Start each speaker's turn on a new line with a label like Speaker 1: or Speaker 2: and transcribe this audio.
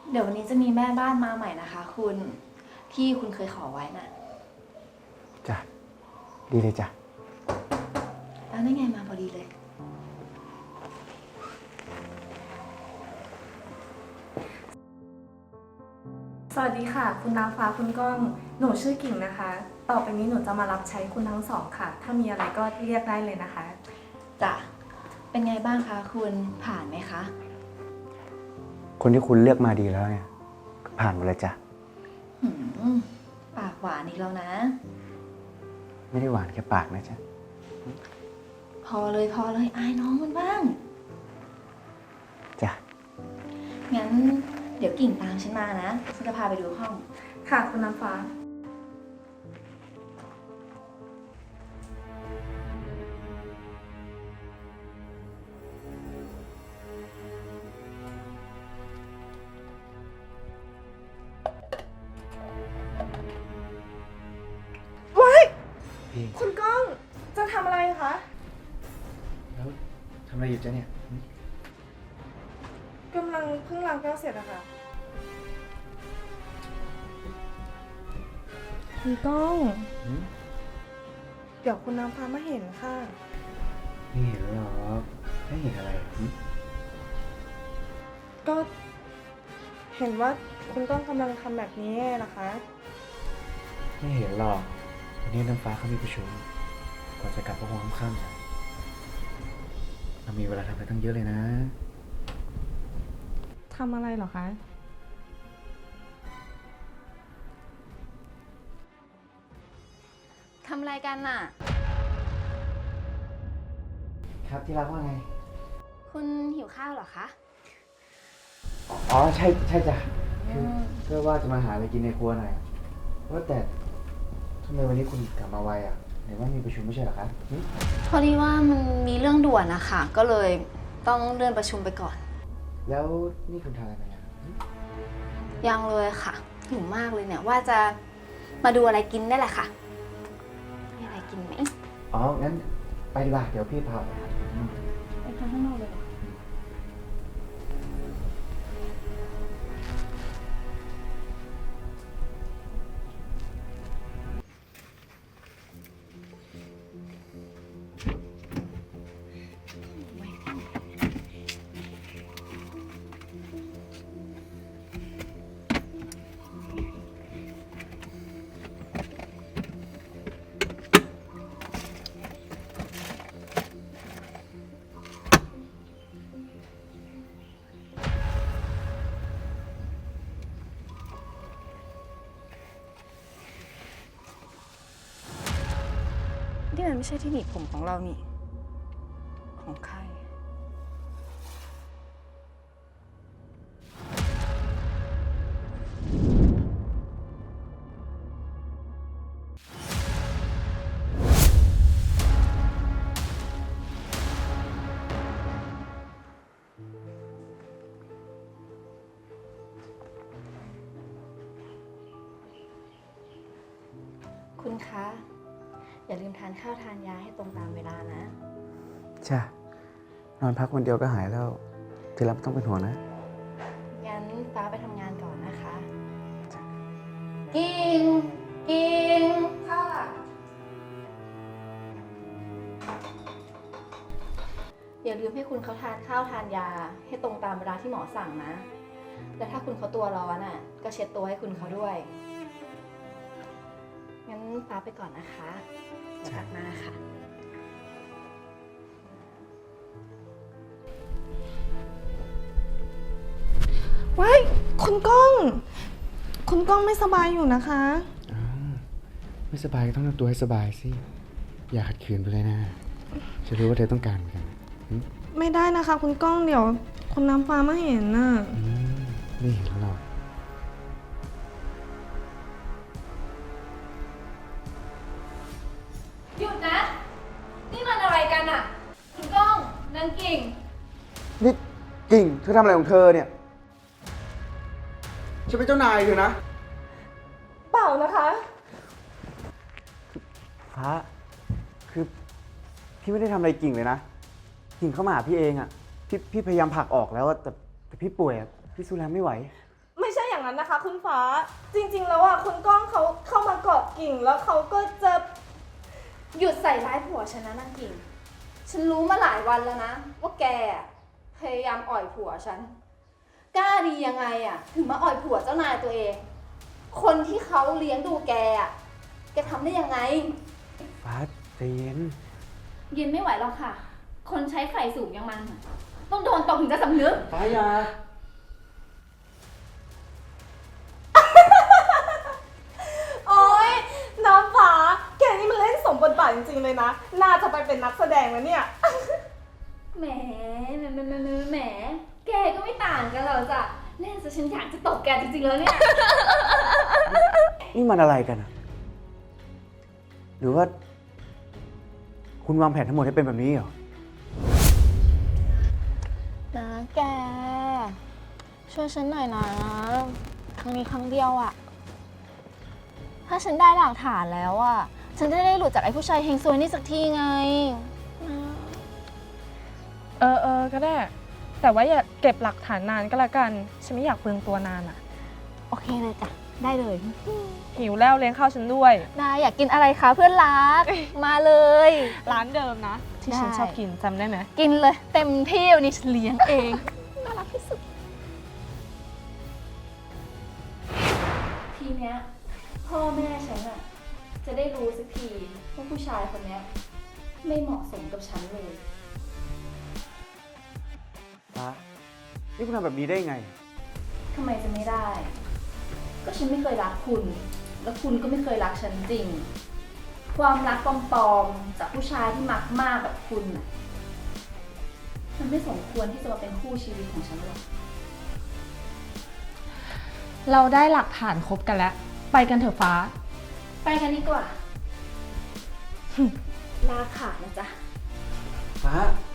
Speaker 1: เดี๋ยววันนี้จะมีแม่บ้านมาใหม่นะคะคุณที่คุณเคยขอไว้น่ะ
Speaker 2: จ้ะ ดีเลยจ้ะ
Speaker 1: แล้วนั่นไงมาพอดีเลย
Speaker 3: สวัสดีค่ะ คุณน้ำฟ้าคุณก้อง หนูชื่อกิ่งนะคะ ต่อไปนี้หนูจะมารับใช้คุณทั้งสองค่ะ ถ้ามีอะไรก็เรียกได้เลยนะคะ
Speaker 1: จ้ะ เป็นไงบ้างคะคุณผ่านไหมคะ
Speaker 2: คนที่คุณเลือกมาดีแล้วเนี่ยก็ผ่านหมดเลยจ้ะ
Speaker 1: หืมปากหวานอีกแล้วนะ
Speaker 2: ไม่ได้หวานแค่ปากนะจ๊ะ
Speaker 1: พอเลยอายน้องมันบ้าง
Speaker 2: จ้ะ
Speaker 1: งั้นเดี๋ยวกิ่งตามฉันมานะฉันจะพาไปดูห้อง
Speaker 3: ค่ะคุณน้ำฟ้า
Speaker 2: พี่
Speaker 3: คุณก้องจะทำอะไรคะ
Speaker 2: แล้วทำอะไรอยู่จ๊ะเนี่ย
Speaker 3: กำลังเพิ่งล้างแก้วเสร็จอะค่ะคุณก้อง
Speaker 2: หืม
Speaker 3: เดี๋ยวคุณน้ำฟ้ามาเห็นค่ะ
Speaker 2: ไม่เห็นหรอกไม่เห็นอะไรหืม
Speaker 3: ก็เห็นว่าคุณก้องกำลังทำแบบนี้นะคะ
Speaker 2: ไม่เห็นหรอกวันนี้น้ำฟ้าเขามีประชุมก่อนจะกลับก็คงค่ำๆนะเรามีเวลาทำอะไรตั้งเยอะเลยนะ
Speaker 3: ทำอะไรเหรอคะ
Speaker 1: ทำอะไรกันน่ะ
Speaker 2: ครับที่รักว่าไง
Speaker 1: คุณหิวข้าวเหรอคะ
Speaker 2: อ๋อใช่จ้ะคือเพื่อว่าจะมาหาอะไรกินในครัวหน่อยว่าแต่ทำไมวันนี้คุณกลับมาไวอ่ะเห็นว่ามีประชุมไม่ใช่เหรอครับหืม
Speaker 1: พอดีว่ามันมีเรื่องด่วนนะคะก็เลยต้องเลื่อนประชุมไปก่อน
Speaker 2: แล้วนี่คุณทานอะไรมาเนี่ยหืม
Speaker 1: ยังเลยค่ะหิวมากเลยเนี่ยว่าจะมาดูอะไรกินได้แหละค่ะมีอะไรกินไหม
Speaker 2: อ๋องั้นไปดีกว่าเดี๋ยวพี่พาไปหาอืม
Speaker 1: ไปทานข้างนอกเลย นี่มันไม่ใช่ที่หนีบผมของเรานี่ ของใคร คุณคะ อย่าลืมทานข้าวทานยาให้ตรงตามเวลานะ
Speaker 2: จ้ะนอนพักวันเดียวก็หายแล้วที่รักไม่ต้องเป็นห่วงนะ
Speaker 1: งั้นฟ้าไปทำงานก่อนนะคะ
Speaker 2: จ้ะ
Speaker 1: กิ่งค่ะ อย่าลืมให้คุณเขาทานข้าวทานยาให้ตรงตามเวลาที่หมอสั่งนะ แล้วถ้าคุณเขาตัวร้อนอ่ะ ก็เช็ดตัวให้คุณเขาด้วย งั้นฟ้าไปก่อนนะคะเดี๋ยวกลับมาค่ะ
Speaker 3: ว้ายคุณก้อง คุณก้องไม่สบายอยู่นะคะ
Speaker 2: อ้าวไม่สบายก็ต้องทำตัวให้สบายสิ อย่าขัดขืนไปเลยนะจะรู้ว่าเธอต้องการเหมือนกันหืม
Speaker 3: ไม่ได้นะคะ คุณก้องเดี๋ยวคุณน้ำฟ้ามาเห็นน่ะ
Speaker 2: ไม่เห็นหรอก
Speaker 1: หยุดนะ นี่มันอะไรกันอ่ะ คุณก้องนางกิ่ง
Speaker 2: นี่กิ่งเธอทำอะไรของเธอเนี่ยฉันเป็นเจ้านายเธอนะ
Speaker 3: เปล่านะคะ
Speaker 2: ฟ้า คือพี่ไม่ได้ทำอะไรกิ่งเลยนะ กิ่งเข้ามาหาพี่เองอ่ะ พี่พยายามผลักออกแล้วอะแต่พี่ป่วยอ่ะ พี่สู้แรงไม่ไหว
Speaker 3: ไม่อย่างนั้นนะคะ คุณฟ้า จริงๆแล้วอ่ะคุณก้องเขาเข้ามาเกาะกิ่งแล้วเขาก็จะ
Speaker 1: หยุดใส่ร้ายผัวฉันนะนางกิ่ง ฉันรู้มาหลายวันแล้วนะว่าแกอะพยายามอ่อยผัวฉัน กล้าดียังไงอะถึงมาอ่อยผัวเจ้านายตัวเอง คนที่เขาเลี้ยงดูแกอะแกทำได้ยังไง
Speaker 2: ฟ้าใจเย็น
Speaker 1: เย็นไม่ไหวหรอกค่ะ คนใช้ไฟสูงอย่างมันอะต้องโดนตบถึงจะสำนึก
Speaker 2: ฟ้าอย่า
Speaker 3: โอ๊ยน้ำฟ้า แกนี่มันเล่นสมบทบาทจริงๆเลยนะ น่าจะไปเป็นนักแสดงแล้วเนี่ย
Speaker 1: แหมแหม แกก็ไม่ต่างกันหรอกจ้ะเล่นซะฉันอยากจะตบแกจริงๆแล้วเนี่ย
Speaker 2: นี่มันอะไรกันอะหรือว่า คุณวางแผนทั้งหมดให้เป็นแบบนี้เหรอ
Speaker 4: นะแก ช่วยฉันหน่อยนะ ครั้งนี้ครั้งเดียวอะถ้าฉันได้หลักฐานแล้วอะฉันจะได้หลุดจากไอ้ผู้ชายเฮงซวยนี่สักทีไงนะ
Speaker 3: ก็ได้ แต่ว่าอย่าเก็บหลักฐานนานก็แล้วกัน ฉันไม่อยากเปลืองตัวนานอะ
Speaker 4: โอเคเลยจ้ะ ได้เลย
Speaker 3: หิวแล้วเลี้ยงข้าวฉันด้วย
Speaker 4: ได้อยากกินอะไรคะเพื่อนรัก มาเลย
Speaker 3: ร้านเดิมนะ ที่ฉัน
Speaker 4: ได้
Speaker 3: ชอบกินจำได้ไหม
Speaker 4: กินเลยเต็มที่วันนี้ฉันเลี้ยงเอง น่ารักที่สุด
Speaker 1: ทีเนี้ยพ่อแม่ฉันอะจะได้รู้สักทีว่าผู้ชายคนเนี้ยไม่เหมาะสมกับฉันเลย
Speaker 2: ฟ้า นี่คุณทำแบบนี้ได้ไง
Speaker 1: ทำไมจะไม่ได้ ก็ฉันไม่เคยรักคุณ แล้วคุณก็ไม่เคยรักฉันจริง ความรักปลอมๆจากผู้ชายที่มักมากแบบคุณน่ะมันไม่สมควรที่จะมาเป็นคู่ชีวิตของฉันหรอก
Speaker 3: เราได้หลักฐานครบกันแล้ว ไปกันเถอะฟ้า
Speaker 1: ไปกันดีกว่า ลาขาดนะจ๊ะ
Speaker 2: ฟ้า